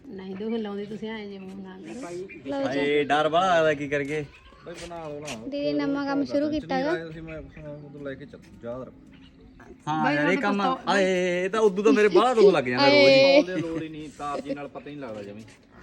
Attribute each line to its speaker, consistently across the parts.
Speaker 1: ਨਹੀਂ ਦੁੱਖ ਲਾਉਂਦੀ ਤੁਸੀਂ ਐ ਜੇ ਮੂੰਹ ਨਾ ਕਰੋ
Speaker 2: ਹਾਏ ਡਰ ਬੜਾ ਲੱਗਦਾ ਕੀ ਕਰਗੇ
Speaker 3: ਬਈ ਬਣਾ ਲਓ ਨਾ
Speaker 4: ਦੀਦੀ ਨਵਾਂ ਕੰਮ ਸ਼ੁਰੂ ਕੀਤਾਗਾ
Speaker 3: ਤੁਸੀਂ ਮੈਂ ਉਦੋਂ ਲੈ ਕੇ ਯਾਦ ਰੱਖ
Speaker 2: ਹਾਂ ਯਾਰ ਇਹ ਕੰਮ ਆਏ ਇਹ ਤਾਂ ਉਦੋਂ ਤਾਂ ਮੇਰੇ ਬਾਹਲਾ ਦੁੱਖ ਲੱਗ ਜਾਂਦਾ ਰੋਜ਼ ਹੀ
Speaker 3: ਉਹਦੇ ਲੋੜ ਹੀ ਨਹੀਂ ਤਾਰ ਜੀ ਨਾਲ ਪਤਾ ਹੀ ਨਹੀਂ ਲੱਗਦਾ ਜਮੀ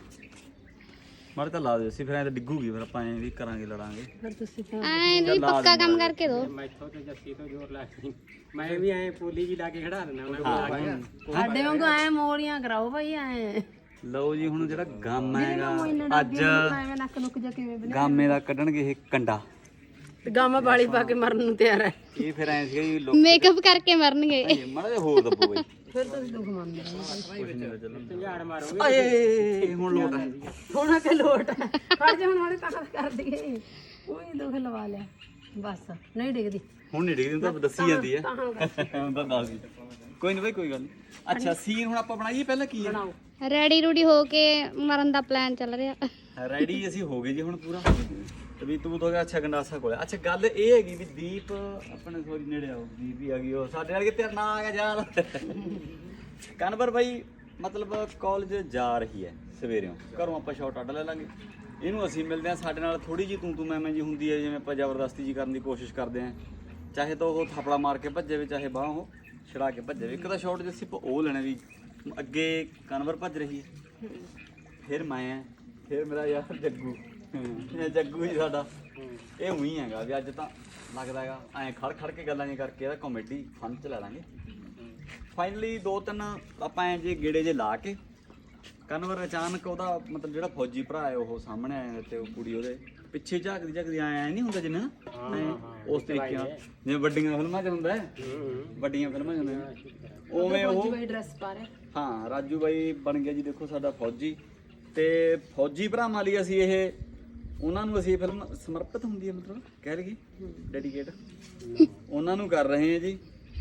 Speaker 2: ਮਾਰੇ ਤਾਂ ਲਾ ਦਿਓ ਸੀ ਫਿਰ ਐ ਤਾਂ ਡਿੱਗੂਗੀ ਫਿਰ ਆਪਾਂ ਐ ਵੀ ਕਰਾਂਗੇ ਲੜਾਂਗੇ
Speaker 1: ਫਿਰ ਤੁਸੀਂ ਤਾਂ
Speaker 4: ਐ ਨਹੀਂ ਪੱਕਾ ਕੰਮ ਕਰਕੇ ਦੋ
Speaker 5: ਮੈਥੋਂ ਤੇ ਜੱਸੀ ਤੋਂ ਜ਼ੋਰ ਲਾ ਕੇ ਮੈਂ ਵੀ ਐ ਪੋਲੀ ਜੀ ਲਾ ਕੇ ਖੜਾ ਦਿੰਦਾ ਉਹਨਾਂ
Speaker 1: ਸਾਡੇ ਵਾਂਗੂ ਐ ਮੋੜੀਆਂ ਕਰਾਓ ਭਾਈ ਐ
Speaker 2: ਲਓ ਜੀ ਹੁਣ ਜਿਹੜਾ ਗਾਮਾ ਹੈਗਾ ਅੱਜ
Speaker 1: ਐਵੇਂ ਨੱਕ ਨੁੱਕ ਜਾ ਕਿਵੇਂ
Speaker 2: ਗਾਮੇ ਦਾ ਕੱਢਣਗੇ ਇਹ ਕੰਡਾ
Speaker 1: ਗਾਮਾ ਬਾਲੀ ਪਾ ਕੇ ਮਰਨ ਨੂੰ ਤਿਆਰ ਹੈ
Speaker 2: ਇਹ ਫਿਰ ਐ ਸੀਗਾ ਜੀ ਲੋਕ
Speaker 4: ਮੇਕਅਪ ਕਰਕੇ ਮਰਨਗੇ
Speaker 2: ਮਾੜਾ ਜਿਹਾ ਹੋਰ ਦੱਬੋ ਬਈ
Speaker 1: ਫਿਰ ਤੁਸੀਂ ਦੁੱਖ ਮੰਨਦੇ ਹੋ
Speaker 5: ਝਾੜ ਮਾਰੋਗੇ
Speaker 2: ਆਏ ਹੁਣ ਲੋਟ ਹੈ
Speaker 1: ਹੁਣ ਕਿ ਲੋਟ ਹੈ ਫੜ ਜਾ ਹੁਣ ਵਾਲੇ ਤਾਂ ਕਰ ਦਈਏ ਉਹੀ ਦੁੱਖ ਲਵਾ ਲਿਆ ਬਸ ਨਹੀਂ ਡਿੱਗਦੀ
Speaker 2: ਹੁਣ ਨਹੀਂ ਡਿੱਗਦੀ ਤਾਂ ਦੱਸੀ ਜਾਂਦੀ ਹੈ ਹੁਣ ਤਾਂ ਦੱਸਦੀ ਕੋਈ ਨਹੀਂ ਬਈ ਕੋਈ ਗੱਲ ਨਹੀਂ ਅੱਛਾ ਸੀਨ ਹੁਣ ਆਪਾਂ ਬਣਾਈਏ ਪਹਿਲਾਂ ਕੀ ਹੈ
Speaker 4: ਰੈਡੀ ਰੂਡੀ ਹੋ ਕੇ ਮਰਨ ਦਾ ਪਲਾਨ ਚੱਲ ਰਿਹਾ
Speaker 2: ਰੈਡੀ ਅਸੀਂ ਹੋ ਗਏ ਜੀ ਹੁਣ ਪੂਰਾ ਤੇ ਵੀ ਤੂੰ ਤਾਂ ਗਿਆ ਅੱਛਾ ਗੰਡਾਸਾ ਕੋਲੇ ਅੱਛਾ ਗੱਲ ਇਹ ਹੈਗੀ ਵੀ ਦੀਪ ਆਪਣੇ ਸੋਰੀ ਨੇੜੇ ਆਓ ਦੀਪ ਵੀ ਆ ਗਈ ਉਹ ਸਾਡੇ ਵਾਲੇ ਤੇਰਾ ਨਾਂ ਆ ਗਿਆ ਯਾਰ ਕਨਵਰ ਬਾਈ ਮਤਲਬ ਕਾਲਜ ਜਾ ਰਹੀ ਹੈ ਸਵੇਰਿਓਂ ਘਰੋਂ ਆਪਾਂ ਸ਼ਾਟ ਅੱਡ ਲੈ ਲਾਂਗੇ ਇਹਨੂੰ ਅਸੀਂ ਮਿਲਦੇ ਆ ਸਾਡੇ ਨਾਲ ਥੋੜੀ ਜੀ ਤੂੰ ਮੈਂ ਜੀ ਹੁੰਦੀ ਹੈ ਜਿਵੇਂ ਆਪਾਂ ਜ਼ਬਰਦਸਤੀ ਜੀ ਕਰਨ ਦੀ ਕੋਸ਼ਿਸ਼ ਕਰਦੇ ਆ ਚਾਹੇ ਤਾਂ ਉਹ ਥਾਪੜਾ ਮਾਰ ਕੇ ਭੱਜੇ ਵੀ ਚਾਹੇ ਬਾਹ ਉਹ ਛੜਾ ਕੇ ਭੱਜੇ ਵੀ ਇੱਕ ਤਾਂ ਸ਼ਾਟ ਜਿਵੇਂ ਉਹ ਲੈਣਾ ਵੀ ਅੱਗੇ ਕਨਵਰ ਭੱਜ ਰਹੀ ਹੈ ਫਿਰ ਮੈਂ ਆ ਫਿਰ ਮੇਰਾ ਯਾਰ ਜੱਗੂ ਇਹ ਜੱਗੂ ਜੀ ਸਾਡਾ ਇਹ ਉਹੀ ਹੈਗਾ ਵੀ ਅੱਜ ਤਾਂ ਲੱਗਦਾ ਹੈਗਾ ਐਂ ਖੜ ਕੇ ਗੱਲਾਂ ਜੀ ਕਰਕੇ ਇਹਦਾ ਕਾਮੇਡੀ ਫਨ ਚ ਲੈ ਲਾਂਗੇ ਫਾਈਨਲੀ 2-3 ਆਪਾਂ ਐਂ ਜੇ ਗੇੜੇ ਜੇ ਲਾ ਕੇ ਕਨਵਰ ਅਚਾਨਕ ਉਹਦਾ ਮਤਲਬ ਜਿਹੜਾ ਫੌਜੀ ਭਰਾ ਹੈ ਉਹ ਸਾਹਮਣੇ ਆਇਆ ਤੇ ਉਹ ਕੁੜੀ ਉਹਦੇ ਪਿੱਛੇ ਝਾਕਦੀ ਆਇਆ ਨਹੀਂ ਹੁੰਦਾ ਜਿੰਨਾ ਉਸ ਤਰੀਕੇ ਨਾਲ ਜਿਵੇਂ ਵੱਡੀਆਂ ਫਿਲਮਾਂ 'ਚ ਹੁੰਦਾ ਵੱਡੀਆਂ ਫਿਲਮਾਂ 'ਚ ਹੁੰਦਾ ਉਵੇਂ ਉਹ
Speaker 1: ਡਰੈਸ ਪਾ ਰਿਹਾ
Speaker 2: ਹਾਂ ਰਾਜੂ ਬਾਈ ਬਣ ਗਿਆ ਜੀ ਦੇਖੋ ਸਾਡਾ ਫੌਜੀ ਤੇ ਫੌਜੀ ਭਰਾਵਾਂ ਲਈ ਅਸੀਂ ਇਹ ਉਹਨਾਂ ਨੂੰ ਅਸੀਂ ਫਿਲਮ ਸਮਰਪਿਤ ਹੁੰਦੀ ਹੈ ਮਤਲਬ ਕਹਿ ਲਈਏ ਡੈਡੀਕੇਟ ਉਹਨਾਂ ਨੂੰ ਕਰ ਰਹੇ ਹਾਂ ਜੀ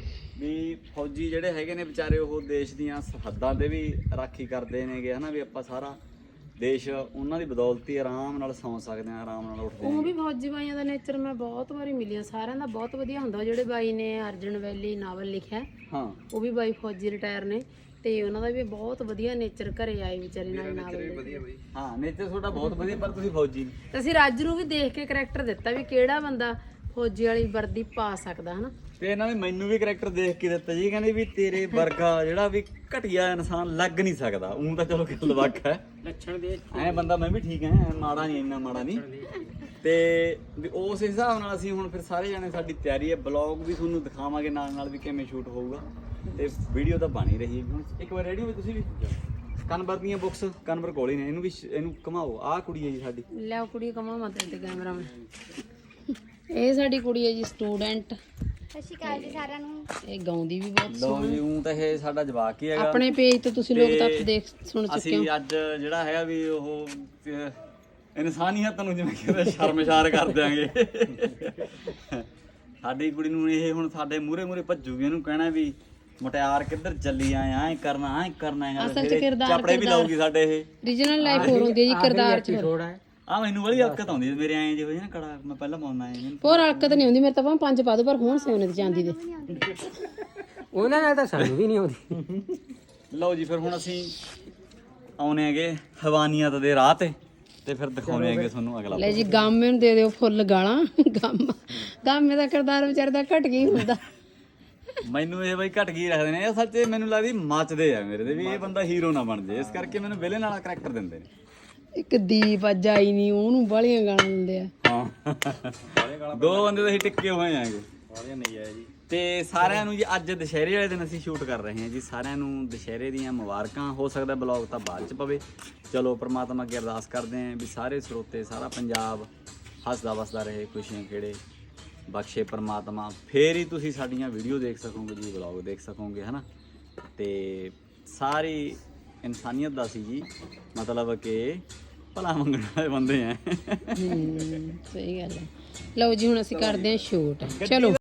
Speaker 2: ਵੀ ਫੌਜੀ ਜਿਹੜੇ ਹੈਗੇ ਨੇ ਵਿਚਾਰੇ ਉਹ ਦੇਸ਼ ਦੀਆਂ ਸਰਹੱਦਾਂ ਦੇ ਵੀ ਰਾਖੀ ਕਰਦੇ ਨੇਗੇ ਹਨਾ ਵੀ ਆਪਾਂ ਸਾਰਾ ਦੇਸ਼ ਉਹਨਾਂ ਦੀ ਬਦੌਲਤ ਹੀ ਆਰਾਮ ਨਾਲ ਸੌਂ ਸਕਦੇ ਆ ਆਰਾਮ ਨਾਲ ਉੱਠਦੇ
Speaker 1: ਉਹ ਵੀ ਫੌਜੀ ਬਾਈਆਂ ਦਾ ਨੇਚਰ ਮੈਂ ਬਹੁਤ ਵਾਰੀ ਮਿਲੀਆਂ ਸਾਰਿਆਂ ਦਾ ਬਹੁਤ ਵਧੀਆ ਹੁੰਦਾ ਜਿਹੜੇ ਬਾਈ ਨੇ ਅਰਜਨ ਵੈਲੀ ਨਾਵਲ ਲਿਖਿਆ
Speaker 2: ਹਾਂ
Speaker 1: ਉਹ ਵੀ ਬਾਈ ਫੌਜੀ ਰਿਟਾਇਰ ਨੇ ਤੇ ਉਹਨਾਂ ਦਾ ਵੀ ਬਹੁਤ ਵਧੀਆ ਨੇਚਰ ਘਰੇ ਆਏ ਵਿਚਾਰੇ ਨਾਲ ਨਾਵਲ
Speaker 2: ਹਾਂ ਨੇਚਰ ਤੁਹਾਡਾ ਬਹੁਤ ਵਧੀਆ ਪਰ ਤੁਸੀਂ ਫੌਜੀ ਨਹੀਂ
Speaker 1: ਤੇ ਅਸੀਂ ਰਾਜੂ ਨੂੰ ਵੀ ਦੇਖ ਕੇ ਕਰੈਕਟਰ ਦਿੱਤਾ ਵੀ ਕਿਹੜਾ ਬੰਦਾ ਫੌਜੀ ਵਾਲੀ ਵਰਦੀ ਪਾ ਸਕਦਾ ਹਨਾ
Speaker 2: ਤੇ ਇਹਨਾਂ ਨੇ ਮੈਨੂੰ ਵੀ ਕਰੈਕਟਰ ਦੇਖ ਕੇ ਦਿੱਤਾ ਜੀ ਕਹਿੰਦੇ ਵੀ ਤੇਰੇ ਵਰਗਾ ਜਿਹੜਾ ਵੀ ਘਟੀਆ ਇਨਸਾਨ ਲੱਗ ਨਹੀਂ ਸਕਦਾ ਉਹ ਤਾਂ ਚਲੋ ਗੱਲ ਵੱਖ ਹੈ
Speaker 5: ਲੱਛਣ ਦੇ
Speaker 2: ਐ ਬੰਦਾ ਮੈਂ ਵੀ ਠੀਕ ਐ ਮਾੜਾ ਨਹੀਂ ਇੰਨਾ ਮਾੜਾ ਨਹੀਂ ਤੇ ਵੀ ਉਸ ਹਿਸਾਬ ਨਾਲ ਅਸੀਂ ਹੁਣ ਫਿਰ ਸਾਰੇ ਜਾਣੇ ਸਾਡੀ ਤਿਆਰੀ ਹੈ ਬਲੌਗ ਵੀ ਤੁਹਾਨੂੰ ਦਿਖਾਵਾਂਗੇ ਨਾਲ ਵੀ ਕਿਵੇਂ ਸ਼ੂਟ ਹੋਊਗਾ ਤੇ ਵੀਡੀਓ ਤਾਂ ਬਣ ਹੀ ਰਹੀ ਹੈ ਹੁਣ ਇੱਕ ਵਾਰ ਰੈਡੀ ਹੋਵੇ ਤੁਸੀਂ ਵੀ ਕਨਵਰ ਦੀਆਂ ਬੁੱਕਸ ਕਨਵਰ ਕੋਲ ਹੀ ਨੇ ਇਹਨੂੰ ਘਮਾਓ ਆਹ ਕੁੜੀ ਹੈ ਜੀ ਸਾਡੀ
Speaker 1: ਲਿਆਓ ਕੁੜੀ ਕਮਾ ਮਤ ਤੇ ਕੈਮਰਾਮੈਨ ਇਹ ਸਾਡੀ ਕੁੜੀ ਹੈ ਜੀ ਸਟੂਡੈਂਟ
Speaker 4: ਸਤਿ ਸ਼੍ਰੀ ਅਕਾਲ ਜੀ ਸਾਰਿਆਂ ਨੂੰ
Speaker 1: ਇਹ ਗਾਉਂਦੀ ਵੀ ਬਹੁਤ
Speaker 2: ਲਓ ਜੀ ਤਾਂ ਇਹ ਸਾਡਾ ਜਵਾਕ ਹੀ ਹੈਗਾ
Speaker 1: ਆਪਣੇ ਪੇਜ ਤੇ ਤੁਸੀਂ ਲੋਕ ਤਾਂ ਦੇਖ ਸੁਣ ਚੁੱਕੇ
Speaker 2: ਅਸੀਂ ਅੱਜ ਜਿਹੜਾ ਹੈਗਾ ਵੀ ਉਹ ਇਨਸਾਨੀਅਤ ਨੂੰ ਜਿਵੇਂ ਕਹਿੰਦੇ ਸ਼ਰਮਸ਼ਾਰ ਕਰ ਦਿਆਂਗੇ ਸਾਡੀ ਕੁੜੀ ਨੂੰ ਇਹ ਹੁਣ ਸਾਡੇ ਮੂਰੇ ਭੱਜੂਗੀ ਇਹਨੂੰ ਕਹਿਣਾ ਵੀ ਮੁਟਿਆਰ ਕਿੱਧਰ ਚੱਲੀ ਐਂ ਕਰਨਾ ਹੈ
Speaker 1: ਅਸਲ ਚ ਕਿਰਦਾਰ
Speaker 2: ਚਾਪੜੇ ਵੀ ਲਾਊਗੀ ਸਾਡੇ ਇਹ
Speaker 1: ਰੀਜਨਲ ਲਾਈਫ ਹੋਰ ਹੁੰਦੀ ਹੈ ਜੀ ਕਿਰਦਾਰ ਚ
Speaker 5: ਥੋੜਾ ਹੈ
Speaker 2: ਆ ਮੈਨੂੰ ਬੜੀ ਹਲਕਤ ਆਉਂਦੀ ਹੈ ਮੇਰੇ ਐਂ ਜਿਹੋ ਜਿਹਾ ਕੜਾ ਮੈਂ ਪਹਿਲਾਂ ਪਾਉਂਦਾ ਐ
Speaker 1: ਹੋਰ ਹਲਕਤ ਨਹੀਂ ਹੁੰਦੀ ਮੇਰੇ ਤਾਂ ਭਾਵੇਂ 5 ਪਾ ਦੋ ਪਰ ਹੁਣ ਸੋਨੇ ਦੀ ਚਾਂਦੀ ਦੇ
Speaker 5: ਉਹਨਾਂ ਨਾਲ ਤਾਂ ਸਾਨੂੰ ਵੀ ਨਹੀਂ ਆਉਂਦੀ
Speaker 2: ਲਓ ਜੀ ਫਿਰ ਹੁਣ ਅਸੀਂ ਆਉਣੇ ਹੈਗੇ ਹਵਾਨੀਅਤ ਦੇ ਰਾਹ ਤੇ ਫਿਰ ਦਿਖਾਉਣੇ ਹੈਗੇ ਤੁਹਾਨੂੰ ਅਗਲਾ
Speaker 1: ਲੈ ਜੀ ਗਾਮੇ ਨੂੰ ਦੇ ਦਿਓ ਫੁੱਲ ਗਾਲਾਂ ਗਾਮੇ ਦਾ ਕਿਰਦਾਰ ਵਿਚਾਰੇ ਦਾ ਘਟ ਗਈ ਹੁੰਦਾ
Speaker 2: ਮੈਨੂੰ ਇਹ ਬਈ ਘਟ ਗਈ ਰੱਖਦੇ ਨੇ ਇਹ ਸੱਚੇ ਮੈਨੂੰ ਲੱਗਦੀ ਮੱਚਦੇ ਆ ਮੇਰੇ ਤੇ ਵੀ ਇਹ ਬੰਦਾ ਹੀਰੋ ਨਾ ਬਣ ਜੇ ਇਸ ਕਰਕੇ ਮੈਨੂੰ ਵਿਲਨ ਵਾਲਾ ਕਰੈਕਟਰ ਦਿੰਦੇ ਨੇ
Speaker 1: ਇੱਕ ਦੀਪ ਅੱਜ ਆਈ ਨਹੀਂ ਉਹਨੂੰ ਬਾਲੀਆਂ ਗਾਲਾਂ ਦਿੰਦੇ ਆ
Speaker 2: ਹਾਂ ਦੋ ਬੰਦੇ ਤਾਂ ਅਸੀਂ ਟਿੱਕੇ ਹੋਏ ਆਂਗੇ
Speaker 3: ਵਾਲੀਆਂ ਨਹੀਂ ਆਇਆ ਜੀ
Speaker 2: ਤੇ ਸਾਰਿਆਂ ਨੂੰ ਜੀ ਅੱਜ ਦੁਸ਼ਹਿਰੇ ਵਾਲੇ ਦਿਨ ਅਸੀਂ ਸ਼ੂਟ ਕਰ ਰਹੇ ਹਾਂ ਜੀ ਸਾਰਿਆਂ ਨੂੰ ਦੁਸ਼ਹਿਰੇ ਦੀਆਂ ਮੁਬਾਰਕਾਂ ਹੋ ਸਕਦਾ ਬਲੌਗ ਤਾਂ ਬਾਅਦ ਚ ਪਵੇ ਚਲੋ ਪ੍ਰਮਾਤਮਾ ਅੱਗੇ ਅਰਦਾਸ ਕਰਦੇ ਆਂ ਵੀ ਸਾਰੇ ਸਰੋਤੇ ਸਾਰਾ ਪੰਜਾਬ ਹੱਸਦਾ ਵਸਦਾ ਰਹੇ ਖੁਸ਼ੀਆਂ ਕਿਹੜੇ ਬਖਸ਼ੇ ਪ੍ਰਮਾਤਮਾ ਫੇਰ ਹੀ ਤੁਸੀਂ ਸਾਡੀਆਂ ਵੀਡੀਓ ਦੇਖ ਸਕੋਗੇ ਜੀ ਬਲੌਗ ਦੇਖ ਸਕੋਗੇ ਹਨਾ ਤੇ ਸਾਰੀ ਇਨਸਾਨੀਅਤ ਦਾ ਸੀ ਜੀ ਮਤਲਬ ਕਿ ਭਲਾ ਮੰਗਣ ਵਾਲੇ ਬੰਦੇ ਆ
Speaker 1: ਸਹੀ ਗੱਲ ਹੈ ਲਓ ਜੀ ਹੁਣ ਅਸੀਂ ਕਰਦੇ ਹਾਂ ਸ਼ੂਟ ਚਲੋ